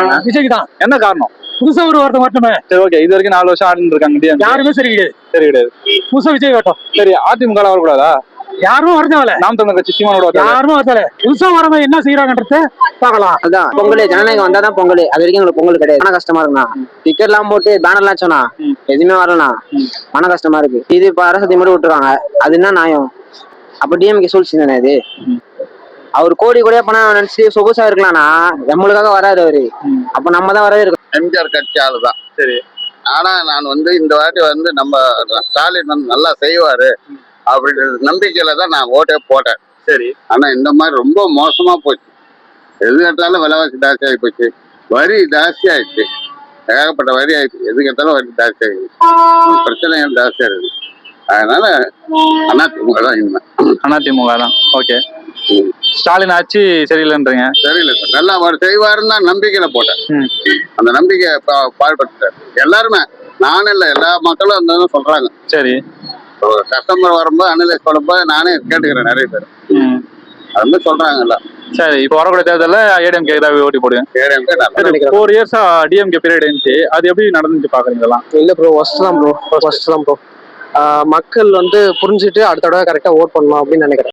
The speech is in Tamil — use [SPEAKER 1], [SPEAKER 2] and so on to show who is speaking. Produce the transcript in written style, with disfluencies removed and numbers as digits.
[SPEAKER 1] விஜய்க்காரங்க.
[SPEAKER 2] விஜய்க்கு தான்.
[SPEAKER 1] என்ன காரணம்?
[SPEAKER 2] புதுசா ஒரு வார்த்தை மட்டுமே.
[SPEAKER 1] சரி, ஓகே. இது வரைக்கும் 4 வருஷம் ஆடிட்டு இருக்காங்க டிஎம்கே.
[SPEAKER 2] யாருமே சரி கிடையாது.
[SPEAKER 1] சரி கிடையாது.
[SPEAKER 2] புதுசா விஜய் வரட்டும்.
[SPEAKER 1] சரி, அதிமுக வரக்கூடாதா?
[SPEAKER 2] யாரும் வரதேவல.
[SPEAKER 1] நாம் தமிழர் கட்சி சீமானோட
[SPEAKER 2] யாருமே வரதேவல. புதுசா வரவங்க என்ன செய்யறாங்கன்றத பாக்கலாம்.
[SPEAKER 3] அதான் பொங்கல் ஜனநாயகம் வந்தாதான் பொங்கல். அது வரைக்கும் எங்களுக்கு பொங்கல் கிடையாது. மன கஷ்டமா இருக்குண்ணா. டிக்கெட் எல்லாம் போட்டு பேனர் எல்லாம் சொன்னா எதுவுமே வரலண்ணா. மன கஷ்டமா இருக்கு. இது இப்ப அரசு மட்டும் விட்டுருவாங்க. அது என்ன நியாயம்? அப்ப டிஎம்கே சூழ்ச்சி தானே இது. அவர் கோடி கோடியா பணம் நினைச்சு சொகுசா இருக்கலாம்னா நம்மளுக்காக வராது அவரு. அப்ப நம்ம தான் வரவே இருக்கோம்.
[SPEAKER 4] எம்ஜிஆர் கட்சி ஆளுதான்.
[SPEAKER 1] சரி.
[SPEAKER 4] ஆனா நான் இந்த வாட்டி நம்ம ஸ்டாலின் நல்லா செய்வாரு அப்படின்ற நம்பிக்கையில தான் நான் ஓட்டே போட்டேன்.
[SPEAKER 1] சரி.
[SPEAKER 4] ஆனா இந்த மாதிரி ரொம்ப மோசமா போச்சு. எது கேட்டாலும் விலைவாசி ஜாஸ்தி ஆகி போச்சு. வரி ஜாஸ்தி ஆயிடுச்சு. ஏகப்பட்ட வரி ஆயிடுச்சு. எது கேட்டாலும் வரி ஜாஸ்தி ஆயிடுச்சு. பிரச்சனைகள் ஜாஸ்தியா இருக்கு. அதனால அதிமுக தான் இனிமே.
[SPEAKER 1] அதிமுக தான். ஓகே. ஸ்டாலின் ஆட்சி சரியில்லைன்றீங்க?
[SPEAKER 4] சரியில்லை சார். நல்லா அவர் செய்வாருன்னு தான் நம்பிக்கையில போட்டேன். அந்த நம்பிக்கையை பாடுபட்டார் எல்லாருமே. நானும் இல்லை, எல்லா மக்களும் அந்த சொல்றாங்க.
[SPEAKER 1] சரி.
[SPEAKER 4] கஸ்டமர் வரும்போது அனலைஸ் பண்ணும்போது நானே கேட்டுக்கிறேன் நிறைய பேர். அது மாதிரி சொல்றாங்கல்ல.
[SPEAKER 1] சரி, இப்போ வரக்கூடிய தேர்தலில் ஏடிஎம்கே தான் ஓட்டி போடுங்க.
[SPEAKER 4] ஏடிஎம்கே
[SPEAKER 1] 4 இயர்ஸா டிஎம்கே பீரியட் இருந்துச்சு. அது எப்படி நடந்துச்சு பாக்குறீங்களா?
[SPEAKER 3] இல்ல ப்ரோ, ஃபர்ஸ்ட் தான் ப்ரோ. மக்கள் புரிஞ்சுட்டு அடுத்த தடவை கரெக்டா ஓட் பண்ணணும் அப்படின்னு நினைக்கிறேன்.